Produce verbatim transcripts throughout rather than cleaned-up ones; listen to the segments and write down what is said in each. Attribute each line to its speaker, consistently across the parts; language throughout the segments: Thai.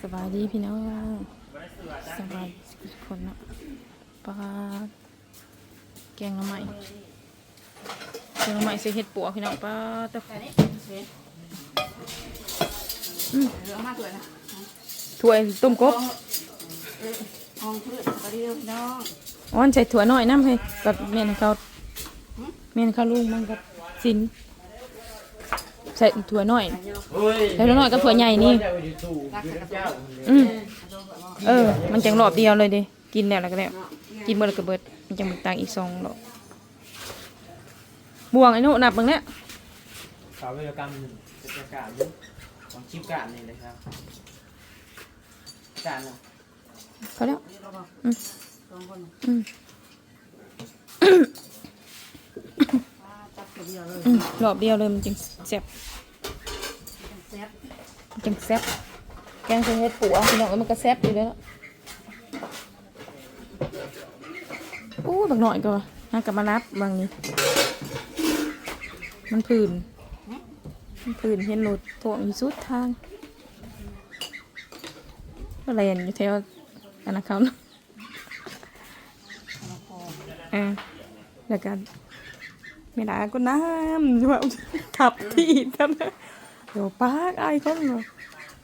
Speaker 1: สบายดีพี่น้องสบายทุกคนเนาะปลาแกงละไม้แกงละไม้ใส่เห็ดปัวพี่น้องปลาตะอืมถ้วยต้มกบ
Speaker 2: ห้องพืชปลาเดียวน้อง
Speaker 1: อ๋อนใส่ถั่วน้อยน้ำให้กับเมียนเขาเมียนเขาลุงมันกับสินใส่ถั่วน้อยใส่ถั่วน้อยกับถั่วใหญ่นี่อืมเออมันจังรอบเดียวเลยดิกินแล้วแล้วก็แล้วกินเบิดแล้วก็เบิดมันจังมึกตังอีกสองรอบบวงไอ้หนูนับมึงเนี่ย
Speaker 3: สาววิศวกรรมกิจการยุของชิปการนี่เลยครับการเนาะ
Speaker 1: เขาแล้วอืม
Speaker 2: สองคน
Speaker 1: อืม
Speaker 2: จับเดียวเลย
Speaker 1: อืมรอบเดียวเลยมันจังแซ่บ
Speaker 2: แซ่บ
Speaker 1: มันจังแซ่บแกงใส่เห็ดปัวพี่น้องมันก็แซ่บอยู่แล้วอู้บักหน่อยก็น่ากลับมารับบางนี้มันผื่นมันผื่นเห็นรถถ่วงอยู่สุดทางอะไรอยู่แถวอันนั้นเขาเนาะเออแล้วกันไม่ได้ก็น้ำว่าขับที่ท่านเดี๋ยวปากไอ้คนเนาะ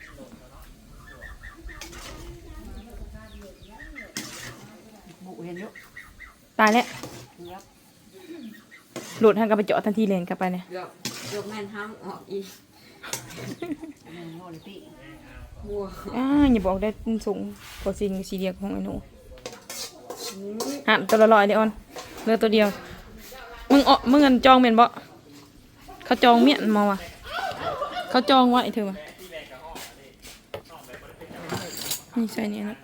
Speaker 2: บุเห็นอยู่
Speaker 1: ตายแล้ว
Speaker 2: ครับ
Speaker 1: หลุดทางกับไปเจาะทันทีเลยกลับไปเนี่ย
Speaker 2: เดี๋ยวยกแม่นห้ามออกอีกแม่นโมลิติบัว
Speaker 1: อ่าอย่าบอกได้สูงกว่าสิ่งสีเดียวของไอ้หนูหันตัวละลอยเดียวออนเหลือตัวเดียวมึงเออมึงเงินจองเมียนบ่เขาจองเมียนมาว่ะเขาจองไว้เธอมานี่ใส่เนี่ยนะ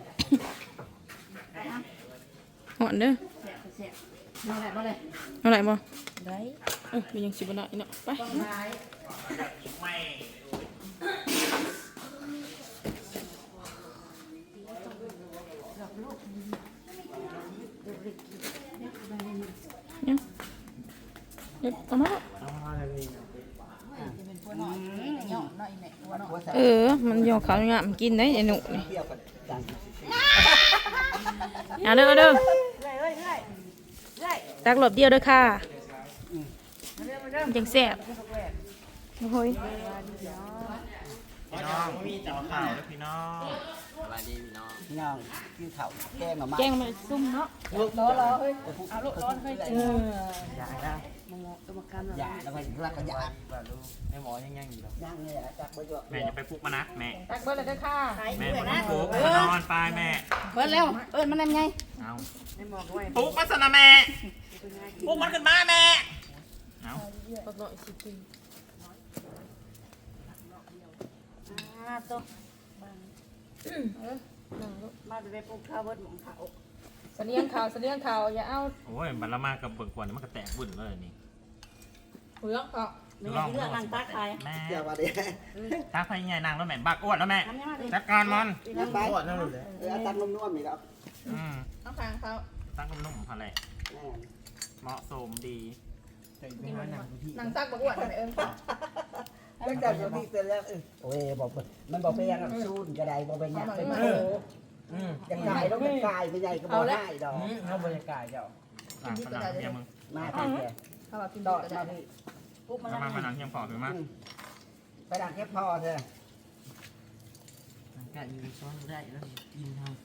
Speaker 1: หอนเด้อ
Speaker 2: แซ่บแซ่บมาเลยมาเลย
Speaker 1: เอาไหนบ่
Speaker 2: ได้
Speaker 1: เออมียังสิบหน่อยเนาะไป
Speaker 2: ได้
Speaker 1: เนี่ยเดี๋ยวเอามาเออมันยอขาวงามกินได้ไอ้หนูนี่เอาเด้อเอาเด้อตักหลบเดียวเด้อค่ะมันจังแซ่บโอ้ย
Speaker 3: พี่น้องมีเจ้าข่าวแล้วพี่น้องสวัสดีพี่น้อง
Speaker 4: พี่น้องกินข้าวแกงหน่อไม้
Speaker 1: แกงมาซุ่มเนาะ
Speaker 2: รอรอเฮ้ยเอาลูกร้อนเฮ้ย
Speaker 1: เออ
Speaker 3: อยากได้
Speaker 2: มึงตัวประกัน
Speaker 4: อย่าแล้วก็รักกันอย่า
Speaker 3: ว่าลูกแม่หมอยังยังอยู่หรอ
Speaker 4: ย่างเลยอ่ะจักไปด้วย
Speaker 3: แม่จะไปปลุกมานะแม่
Speaker 1: ตักเบิดเลยเด้อค่ะ
Speaker 3: แม่มาปลุกมานอนไปแม่
Speaker 2: เปิดแล้วเอิ้นมันยังไง
Speaker 3: เอา
Speaker 2: ไม่บอกด้วย
Speaker 3: ปลุกมาสนะแม่ปลุกมันขึ้นมาแม่เอา
Speaker 1: บักหน่อยสิกิน
Speaker 2: อ่าตัว
Speaker 1: เออนั่งลูก
Speaker 2: มาไปปลูกข้าวเบิดหมองเขา
Speaker 1: เสลียงข่าวเสลียงข่าวอย่าเอา
Speaker 3: โอ้ยบัลละมากับเบิ่งกวนมันก็แตกบุ่นเลยนี่
Speaker 1: เหือกอ่ะ
Speaker 2: ไม่ใช่เรื่องนางตาขาย
Speaker 3: แม่
Speaker 4: เดี๋ยวมาดิ
Speaker 3: ตาไฟใหญ่นางแล้วแม่บักอ้วนแล้วแม่
Speaker 2: ทำยังไงดิ
Speaker 3: จัดการมัน
Speaker 4: นั่งไปเออตังนุ่มๆนี่แล้ว
Speaker 3: อืม
Speaker 1: ต้องทางเขา
Speaker 3: ตั้งนุ่มๆพอเลยเหมาะสมดี
Speaker 1: นางซักบักอ้วนอะไรเอิญ
Speaker 4: ตั้งแต่เดี๋ยวนี้เสร็จแล้วเออโอ้ยบอกมันบอกไปยังซูนกระไดบอกไปยังไปมาจะกายต้องจะกายไปใหญ่ก็บอกได้ดอก
Speaker 3: เอาบรรยากาศเจ้าอ่ะผนังเฮียมึง
Speaker 4: มาที่แก
Speaker 1: เขาบอกกิน
Speaker 4: ด
Speaker 1: ด
Speaker 4: อ
Speaker 1: อก
Speaker 4: ด
Speaker 1: ก็
Speaker 4: มา
Speaker 1: ได้
Speaker 4: ที่
Speaker 2: ปลูกมัน
Speaker 3: เอา
Speaker 2: ยัง
Speaker 3: มา
Speaker 2: ไง
Speaker 3: ผนังเฮียฝอถือมา
Speaker 4: ไปดักแค่พอเถอะ
Speaker 3: อากาศอยู่ซ้อนได้แล้วกินท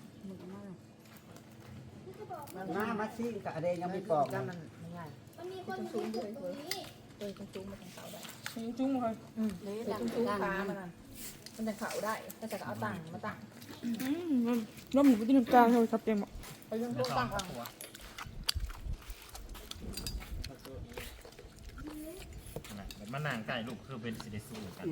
Speaker 4: มามาซิ่งกับอะไรยังไม่ปอก
Speaker 2: มันง่าย
Speaker 5: มันมีคนสูงอยู่ตรงนี้
Speaker 1: เออจุ้งมาทางเขาได้จุ้งเลย
Speaker 2: อืมเลย
Speaker 1: เดี๋ยว
Speaker 2: ดัง
Speaker 1: จุ้ง
Speaker 2: ดัง
Speaker 1: ขา
Speaker 2: มั
Speaker 1: มัน
Speaker 2: น
Speaker 1: อ่ะมันจะเขาได้ก็จะเอาตังมาตังอืมน้ำหมูที่น้ำตาลเลยครับเต็มอ่ะไปยัง
Speaker 3: ำ
Speaker 1: พวกตังอ่ะ
Speaker 3: มันนางไก่ลูกคือเป็นสิเดสูกัน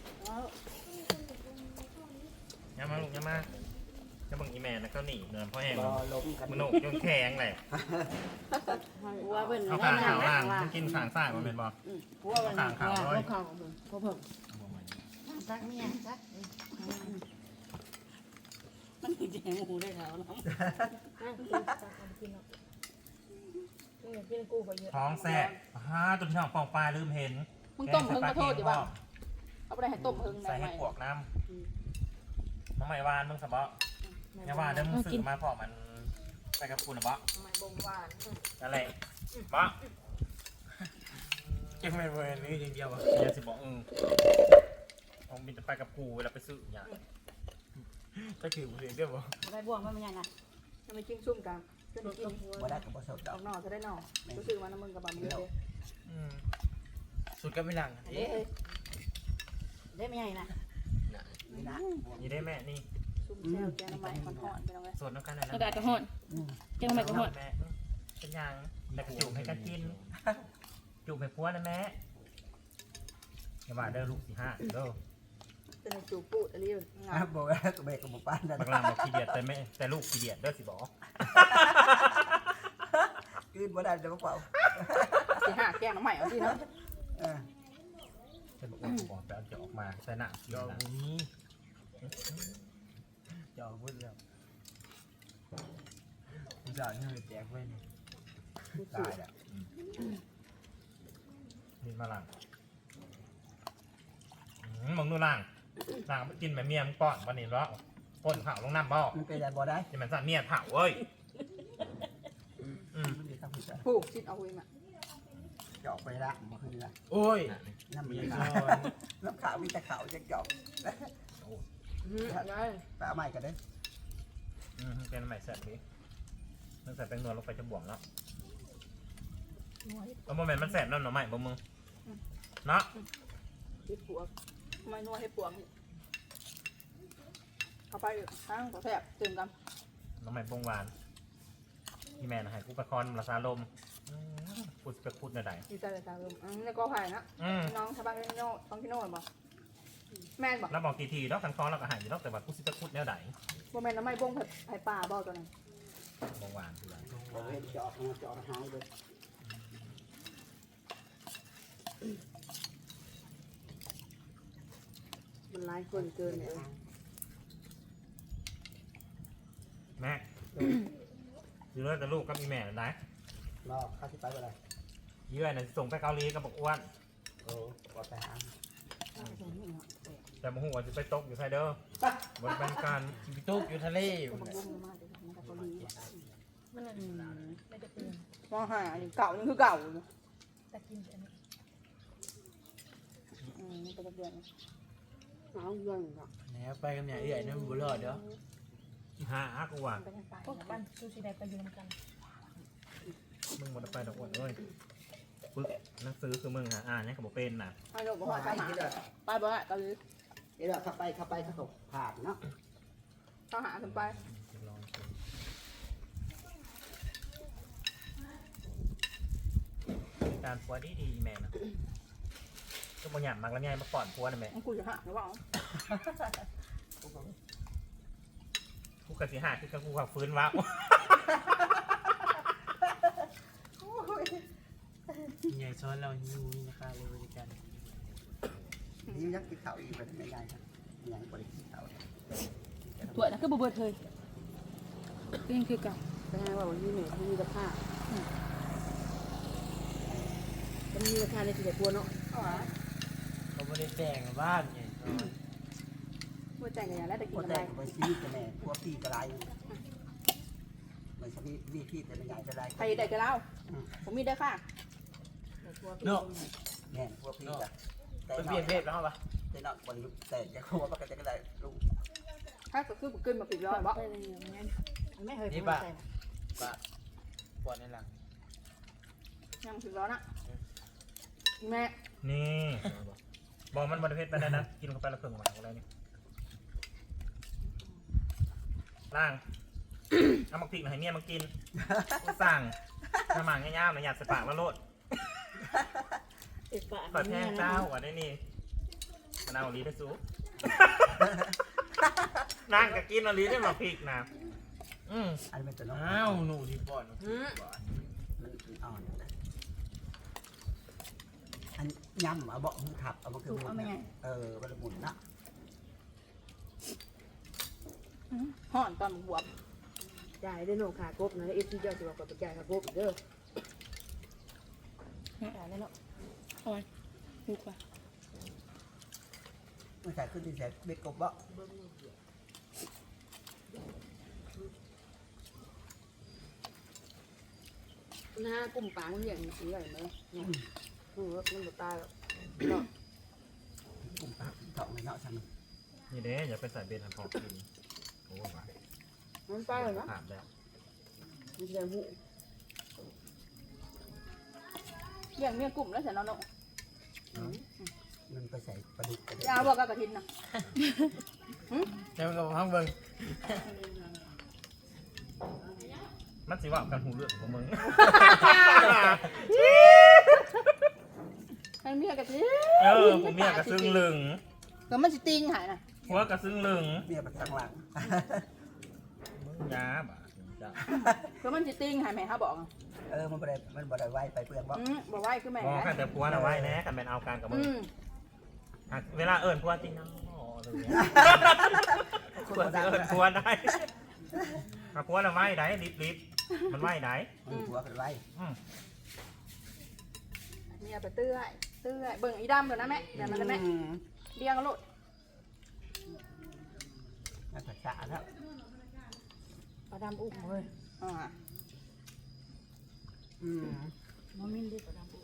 Speaker 3: ยามาลูกยามาจะบังอีแมนแล้วก็หนีเงินพ่อแห้ง
Speaker 4: รอลงกัน
Speaker 3: มันโหนกจนแข็งเลย
Speaker 2: หัวเป็น
Speaker 3: เอาขางขาวล่างมันกินขางซ้ายมันเป็นบ่
Speaker 2: หัวเป็น
Speaker 3: ขางขาวร้อย
Speaker 1: เขาของมึง
Speaker 2: หัวเพิ่มซักเมียซักมันคือแจงหูได้แล้วเนาะ
Speaker 1: กินกูไปเยอะ
Speaker 3: ท้องแสบฮ่าตัวที่ท้องปองปลายลืมเห็น
Speaker 1: มึงต้มเพิ่งมาโทษดิบ้างเอาไปให้ต้มเพิ่ง
Speaker 3: ใส่
Speaker 1: ได้ไหม
Speaker 3: ให้ปวกน้น้องใหม่วานมึงสบะอย่าว่าเดี๋ยวมึงสื่อมาพอมันไปกับคุณนะบะ
Speaker 2: ทำไมบงหวาน
Speaker 3: นั่นแหละบะ
Speaker 6: เก็บไม่เวรนี่อย่างเดียวอ่ะ
Speaker 3: เดี๋ยวสิบอกอืมผมบินจะไปกับกูเวลาไปซื้ออย่าง
Speaker 6: ก็ถือเสียงเดียวบ่
Speaker 2: อะไรบ่วงมันเป็นยังไงทำไมจิ้งซุ่มกันจนกิน
Speaker 4: บ่ได้กับบ่สดด
Speaker 2: อ
Speaker 4: อ
Speaker 2: อก กนอกจะได้นอกก็ซื้อมาน้ำมึงกับบะหมี่เลย
Speaker 6: อืมสุดก็ไม่หลัง
Speaker 2: เด้ได้ไม่ใหญ่นะ
Speaker 4: นี่นะ
Speaker 3: นี่ได้แม่นี่
Speaker 2: ซุ่มแซวแกงน้ำมันมันห่อนไปแล้วไง
Speaker 3: ส่วนน้ำกันนั่น
Speaker 1: กระดาษกระหอน
Speaker 4: อืม
Speaker 1: แกงใหม่กระหอน
Speaker 3: แม่เป็นยังแต่จูบให้กันกินจูบให้พัวนะแม่อย่าว่าเด้อลูกสี่ห้าเด้อ
Speaker 2: เป็นจูบปูดอะไรอยู่งา
Speaker 4: อ่ะบ่ได้ก็เบกกับบ่ปานนั่น
Speaker 3: บางลามบอกขี้เดียดแต่แม่แต่ลูกขี้เดียดเด้อสิบอก
Speaker 4: คืนบ่ได้เดี๋ยวบ่เป่า
Speaker 2: สี่ห้าแกงน้ำใหม่เอาที่เนาะ
Speaker 4: เออ
Speaker 3: จะบอกว่าบอกแต่จะออกมาใส่หน้ากิน
Speaker 6: จอ
Speaker 3: นะ
Speaker 6: บุนี้จอบุญแล้วผู้สาวนี่แจกไว้นี่
Speaker 4: ตายแล้ว
Speaker 3: นี่มาล่างมึงดูล่างล่างไปกินแบบเมียมึงป้อนวันนี้แล้วป้นเผาลงน้ำบ่
Speaker 4: มันเป็นอะไรบ่ได้
Speaker 3: จะมันสั่นเมียเผาเว้ยอืม
Speaker 4: มันมีทางผิดอ่ะ
Speaker 2: ผูกชิ้นเอาไว้มา
Speaker 4: เจาะไปละบ่คือละ
Speaker 6: โอ้ย
Speaker 4: น้ำมี
Speaker 6: มี
Speaker 4: ขาว
Speaker 6: ซ้อน
Speaker 4: น้ำขาวมีแต่ขาวจักเจาะ
Speaker 2: ได้
Speaker 4: ไปเอาใหม่กันเด้อ
Speaker 3: อืมเป็นใหม่เสร็จดิมันใส่แป้งนวลลงไปจะบวมแล้วแล้วโมเมนต์มันแสบนั่นหน่อใหม่บ่มึงเนาะ
Speaker 2: ให้ปวกทำไมนวดให้ปวกเอาไปข้างก็แทบตื่นกัน
Speaker 3: หน่อใหม่บงหวานพี่แม่นะให้กูประคอนราซาลมอืมพูดไปพูดหน่อยได้
Speaker 2: ดีใจเลยจ้าลุงอืมแล้วก็ผ่านนะ
Speaker 3: อืม
Speaker 2: น้องชาวบ้านพี่โน่ต้องพี่โน่บอกแม่นบอก
Speaker 3: แล้วบอกกี่ทีแล้วคันคอแล้วก็หายอยู่แล้วแต่ว่ากูสิไปพูดแนวไหน
Speaker 2: โมเมนต์น้ำไม่บ้งผัดไผ่ป่าบอกตัวนั้น
Speaker 3: บงหวานคืออะไร
Speaker 4: บ่เห็นเจาะเจาะหายเลย
Speaker 2: มันร้ายเกินเกินเลย
Speaker 3: แม่อยู่เลยแต่ลูกก็มีแม่นะ
Speaker 4: รอเข้าสิไปบ่ได้
Speaker 3: เยื่อน่ะส่งไปเกาหลีกับบอกอ้วน
Speaker 4: โอ้บ่ไปหา
Speaker 3: แต่โมโหว่าจะไปตกอยู่ไทยเด้อบนเป็นการ
Speaker 6: สิไปตุกอยู่ทะเลอยู่
Speaker 2: มัน
Speaker 6: น่ะ
Speaker 2: บ้งมากเลยมันกับเกาหลี
Speaker 1: มันอะไรไม่จะเป็น
Speaker 2: มองหาอันนี้เก่ายังคือเก่าอยู่
Speaker 1: ตะกินอันนี้
Speaker 2: อืมนี่เป็นเดือนเอาเงินก่อน
Speaker 6: แหนไปกับเนี่ยเอื่อยนั่นบุรอดเด้อ
Speaker 3: หาอักว่า
Speaker 2: ไปทางใต้
Speaker 1: พวกบ้านซูชิได้ไปยืมกัน
Speaker 3: มึงหมดไปดอกอ้วนเอ้ยปึ๊กหนังสือคือมึงหาอ่านเนี่ยกับบอกเป็นน่ะ
Speaker 2: ให้ลูกบอกว่า
Speaker 4: ไป
Speaker 2: ไปหา
Speaker 4: ที่เด้อ
Speaker 2: ไปบ่ฮะเกาหลี
Speaker 4: เดี๋ยวเข้าไปเข้าไปเขาก็ผ่านเนาะ
Speaker 2: เขาหากันไป
Speaker 3: การพัวดีดีแม่นะก็บางอย่างมากแล้วไงมาก่อนพัวนะแม่
Speaker 2: มันคุยจะหาหรือเปล่า
Speaker 3: กูกะสิหาคือกับกูขับฟื้นวะ
Speaker 6: ใหญ่ซ้อนเราอยู่นี่นะคะเลยบริการ
Speaker 4: นี่ยักกินข้าวอีกไปไม่ได้ครับยังบ่ได้กินข้าว
Speaker 1: ถั่วนะคือบ่เบิดเลยก็ยังคือเก่า
Speaker 2: เป็นไงว่าวันนี้เนี่ยเขามีราคาจะมีราคาในสิบตัวเนาะเอาวะ
Speaker 6: เขาไม่ได้แต่งบ้านใหญ่ซ้อน
Speaker 2: เมื่อใจกันแล้วแต่กิน
Speaker 4: พวก
Speaker 2: อะไร
Speaker 4: แต่ไปซีกันแน่พวกพี่กระไรมันจะมีมีพี่แต่ไม่ใหญ่กระไร
Speaker 2: ใครได้กันแล้วผมมีได้ค่ะ
Speaker 6: เนาะ
Speaker 4: แน่พวกพี่จ้ะแต่
Speaker 6: ไป
Speaker 4: น
Speaker 6: เป
Speaker 4: อ
Speaker 6: ลี่ย
Speaker 4: ก
Speaker 6: นเพศแล้วเหรอปะ
Speaker 4: แต่นอกคนยุคแต่จะเขาว่าปกติก็ได้ลูก
Speaker 2: ถ้าก็คือขึ้นมาปิดร้อยบ่ไม่เคยพูดใจ
Speaker 6: ปะปวดในหลัง
Speaker 2: ยังปิดร้อยนะแม่
Speaker 3: นี่บอกมันบริเพศไปได้นะกินเข้าไปแล้วเพิ่งหวานอะไรนี่ล่าง เอามาพริกมาให้เมียมากินกูสั่งน้ำหมากง่ายๆนะอยากใส่ปากแล้วโลด
Speaker 2: เอกปะ
Speaker 3: ขอแท้เจ้าอ่ะได้นี่มันเอาลีได้ซูนั่งกับกินเอาลีได้มาพริกนะอืม
Speaker 4: อันนี้เป็นตัวน้อง
Speaker 6: อ้าวหนูดีปอด
Speaker 4: มันอ่อนอันย่ำเอาเบาะมือขับเอามาคือเออมันหมุนนะ
Speaker 2: ห่อนตอนบวบจ่ายได้โนขากบนะเอฟซีเจ้าจะบอกกับจ่ายขากบเด้อ
Speaker 1: เนี่ยอ่านแล้วเนาะเอาไว้ดูกว่า
Speaker 4: มันใส่ขึ้นที่แสบเบ็ดกบเบาะ
Speaker 2: หน้ากลุ่มปลามันอย่างนี้ใหญ่ไหมเนี่ยคือว่ามันบ่ตายหรอก
Speaker 4: กลุ่มปากเถาะไม่เนาะฉัน
Speaker 3: นี่เด้อย่าไปใส่เบนทันพอกินโอ้ย
Speaker 2: มันตายเลยนะ
Speaker 3: ถามแล้ว
Speaker 2: มันจะหูอย่างเมียกลุ่มแล้วฉันนอนลง
Speaker 4: มันไปใส่ปลาดุกกระเด็น
Speaker 2: ยาวบอกกับกระทินนะ
Speaker 6: เจ้ากับห้องเบิ่ง
Speaker 3: มันสิว่ากันหูเลือดของมึง
Speaker 2: ให้เมียกระทิน
Speaker 3: เออผมเมียกระซึ่งลึง
Speaker 2: ก็มันสิติงหายนะ
Speaker 3: หัวกระซึ่งลึง
Speaker 4: เมียมันข้างหลัง
Speaker 3: มึงยาบ่ะจ้ะ
Speaker 2: ก็มันสิติงหายแม่เขาบอก
Speaker 4: เออมันบ่ได้มันบ่ได้ไหวไปเปลือกบ่
Speaker 2: อืมบอกว่าคือแม่
Speaker 3: บอกกันแต่ผัวน่ะไว้แน่กันเป็นเอาการกับมึ
Speaker 2: อื
Speaker 3: ง
Speaker 2: ม
Speaker 3: อ่ะเวลาเอิญผัวจริงนะอ๋ออะไรอย่างเงี้ยผัวจะเอิญผัวได้ถ้าผัวน่ะไว้ได้ลิบลิบมันไว้ได้
Speaker 4: มันหัวกันไหว
Speaker 3: อืม
Speaker 2: เมียไปเตื้อยเตื้อยเบิ่งอีดำเลยนะแม่เดี๋ยวมันนะแม่
Speaker 4: อืม
Speaker 2: เลี้ยงกันโลด
Speaker 4: น่าจะสะแล้ว
Speaker 2: ปลาดำอุ้มเลยอ่า
Speaker 4: อืม
Speaker 2: น้องมิ้นดิปลาดำอุ้ม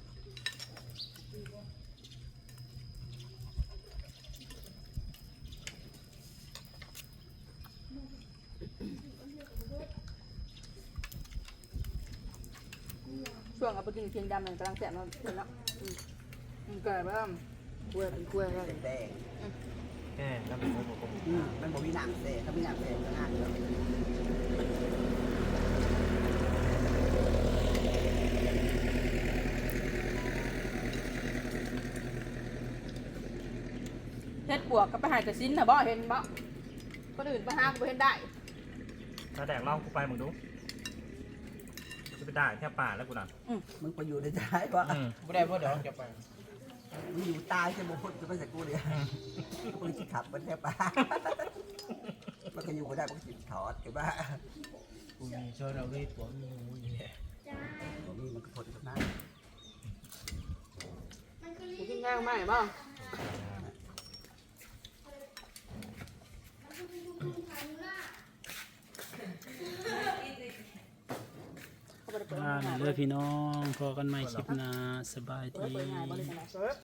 Speaker 2: ช่วงเอาไปกินเคียงดำมันกำลังแสบมันเห็นแล้วอืมอืมเกิดบ้างกล้วยเป็นกล้วยแล้ว
Speaker 4: แดง
Speaker 3: แค่แล้วมันโอ้โห
Speaker 4: ๆอืมมันบ่มีหนังเสถ้ามีหนังเสก็งานแล้ว
Speaker 2: เฮ็ดปวกก็ไปหายกระสินนะบ่เห็นบ่คนอื่นไปหาก็บ่เห็นได้
Speaker 3: ถ้าแดกเหล่ากูไปมึงดูจะไปด่าแค่ป่าแล้วกูน่ะ
Speaker 4: มึงไปอยู่ในใจบ่
Speaker 3: อืม
Speaker 6: บ่ได้เพราะเดี๋ยวจะไป
Speaker 4: มึงอยู่ตายจะบ่พ้นจะไปใส่กูเลยกูสิขับมันแทบปะมันก็อยู่บ่ได้มันก็สิถอดกันบ้า
Speaker 6: กูมีโชว์เราด้วยตัวมีงูอยู่เนี่ย
Speaker 4: บ่มีมันก็พ้นกันมา
Speaker 2: กูกินง่ายมากบ่เขาบ่ได้เปิด
Speaker 7: อ่า
Speaker 2: ง่าย
Speaker 7: เด้อพี่น้องพอกันใหม่คลิปหน้าสบาย
Speaker 2: เปิด
Speaker 7: ดี
Speaker 2: ง่ายบ่ได้ขนาด